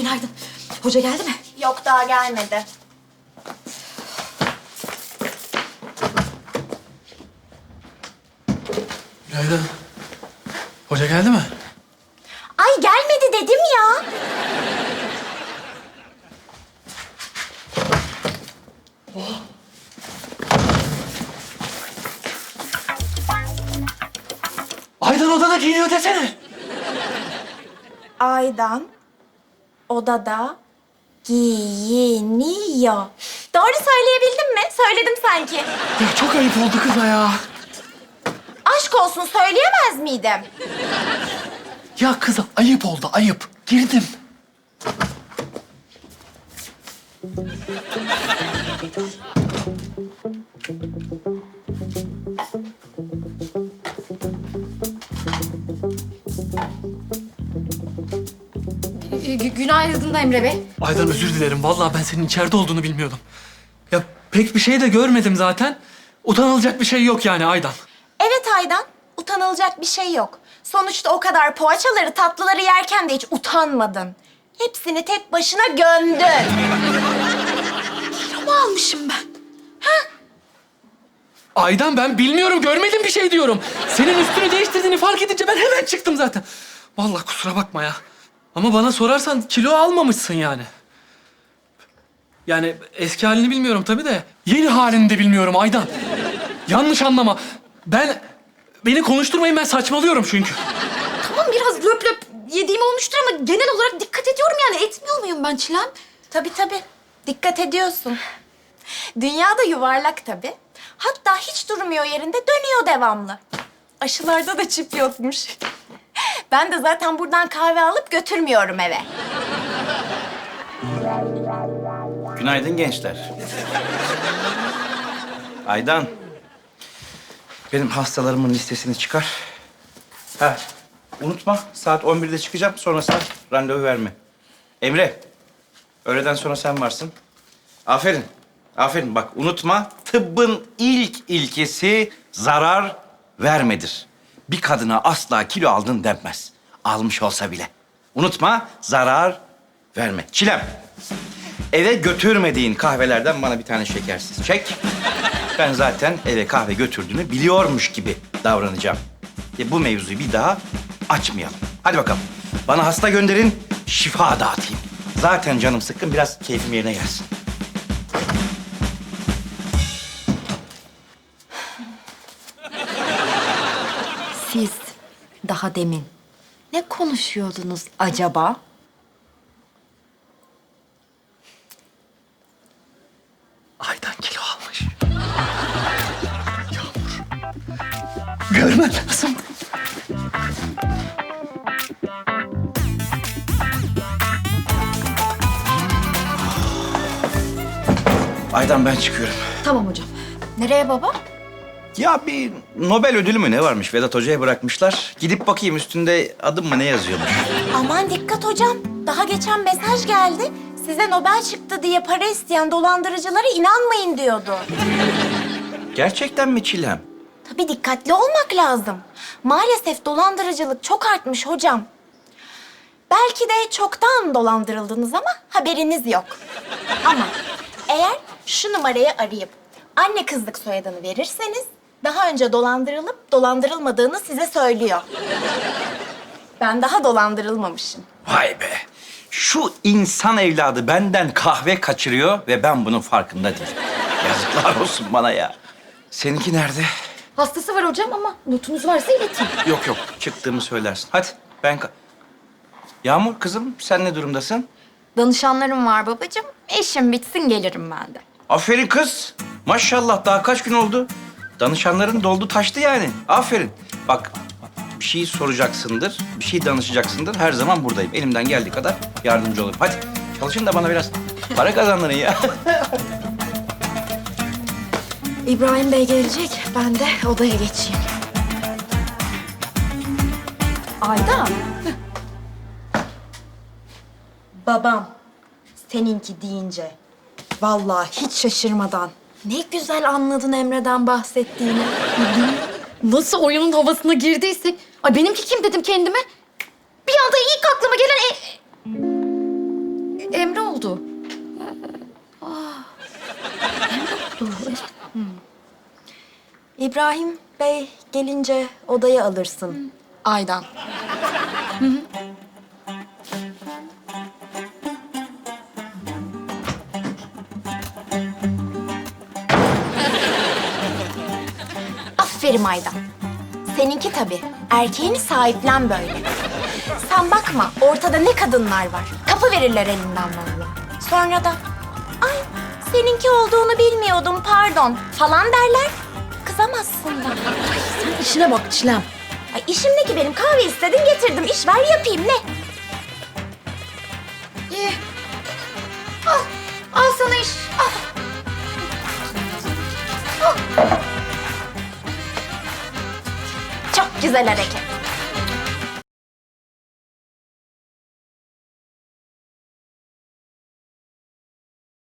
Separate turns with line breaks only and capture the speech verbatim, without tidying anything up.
günaydın. Hoca geldi mi?
Yok, daha gelmedi.
Günaydın. Hoca geldi mi?
Ay gelmedi dedim ya.
Aydan odada giyiniyor desene.
Aydan odada giyiniyor. Doğru söyleyebildim mi? Söyledim sanki.
Ya çok ayıp oldu kıza ya.
Aşk olsun, söyleyemez miydim?
Ya kıza ayıp oldu, ayıp. Girdim.
Gü- günaydın Emre Bey.
Aydan özür dilerim. Vallahi ben senin içeride olduğunu bilmiyordum. Ya pek bir şey de görmedim zaten. Utanılacak bir şey yok yani Aydan.
Evet Aydan, utanılacak bir şey yok. Sonuçta o kadar poğaçaları, tatlıları yerken de hiç utanmadın. Hepsini tek başına gömdün.
Kilo mu almışım ben?
Aydan ben bilmiyorum, görmedim bir şey diyorum. Senin üstünü değiştirdiğini fark edince ben hemen çıktım zaten. Vallahi kusura bakma ya. Ama bana sorarsan kilo almamışsın yani. Yani eski halini bilmiyorum tabii de yeni halini de bilmiyorum Aydan. Yanlış anlama. Ben beni konuşturmayın, ben saçmalıyorum çünkü.
Tamam biraz löp löp yediğim olmuştur ama genel olarak dikkat ediyorum yani. Etmiyor muyum ben Çilem?
Tabii tabii, dikkat ediyorsun. Dünya da yuvarlak tabii. Hatta hiç durmuyor yerinde, dönüyor devamlı. Aşılarda da çip yokmuş. Ben de zaten buradan kahve alıp götürmüyorum eve.
Günaydın gençler. Aydan, benim hastalarımın listesini çıkar. Ha, unutma saat on birde çıkacağım. Sonrasında randevu verme. Emre, öğleden sonra sen varsın. Aferin, aferin. Bak unutma, tıbbın ilk ilkesi zarar vermedir. Bir kadına asla kilo aldın denmez. Almış olsa bile. Unutma, zarar verme. Çilem, eve götürmediğin kahvelerden bana bir tane şekersiz çek. Ben zaten eve kahve götürdüğünü biliyormuş gibi davranacağım. E bu mevzuyu bir daha açmayalım. Hadi bakalım. Bana hasta gönderin, şifa dağıtayım. Zaten canım sıkkın, biraz keyfim yerine gelsin.
Siz daha demin ne konuşuyordunuz acaba?
Aydan kilo almış. Yağmur. Görmen lazım.
Aydan ben çıkıyorum.
Tamam hocam.
Nereye baba?
Ya bir Nobel ödülü mü ne varmış Vedat Hoca'ya bırakmışlar. Gidip bakayım üstünde adım mı ne yazıyormuş.
Aman dikkat hocam. Daha geçen mesaj geldi. Size Nobel çıktı diye para isteyen dolandırıcılara inanmayın diyordu.
Gerçekten mi Çilem?
Tabii dikkatli olmak lazım. Maalesef dolandırıcılık çok artmış hocam. Belki de çoktan dolandırıldınız ama haberiniz yok. Ama eğer şu numarayı arayıp anne kızlık soyadını verirseniz daha önce dolandırılıp dolandırılmadığını size söylüyor. Ben daha dolandırılmamışım.
Vay be. Şu insan evladı benden kahve kaçırıyor ve ben bunun farkında değilim. Yazıklar olsun bana ya. Seninki nerede?
Hastası var hocam ama notunuz varsa iletin.
Yok yok, çıktığımı söylersin. Hadi ben... ka- Yağmur kızım, sen ne durumdasın?
Danışanlarım var babacığım. İşim bitsin gelirim ben de.
Aferin kız. Maşallah daha kaç gün oldu? Danışanların doldu taştı yani. Aferin. Bak bir şey soracaksındır, bir şey danışacaksındır. Her zaman buradayım. Elimden geldiği kadar yardımcı olurum. Hadi çalışın da bana biraz para kazandırın ya.
İbrahim Bey gelecek. Ben de odaya geçeyim. Ayda.
Babam seninki deyince vallahi hiç şaşırmadan
Ne güzel anladın Emre'den bahsettiğini. Nasıl oyunun havasına girdiysek. Ay benimki kim dedim kendime. Bir anda ilk aklıma gelen... E... Emre oldu. Aa, Emre oldu. Evet.
İbrahim Bey gelince odaya alırsın. Aydan. Aferin Aydan. Seninki tabii. Erkeğini sahiplen böyle. Sen bakma ortada ne kadınlar var. Kapı verirler elinden valla. Sonra da ay seninki olduğunu bilmiyordum pardon falan derler. Kızamazsın da.
Sen işine bak Çilem.
Ay işim ne ki benim? Kahve istedin getirdim. İş ver yapayım ne?
İyi. Al. Al sana iş. Al.
Çok güzel hareket.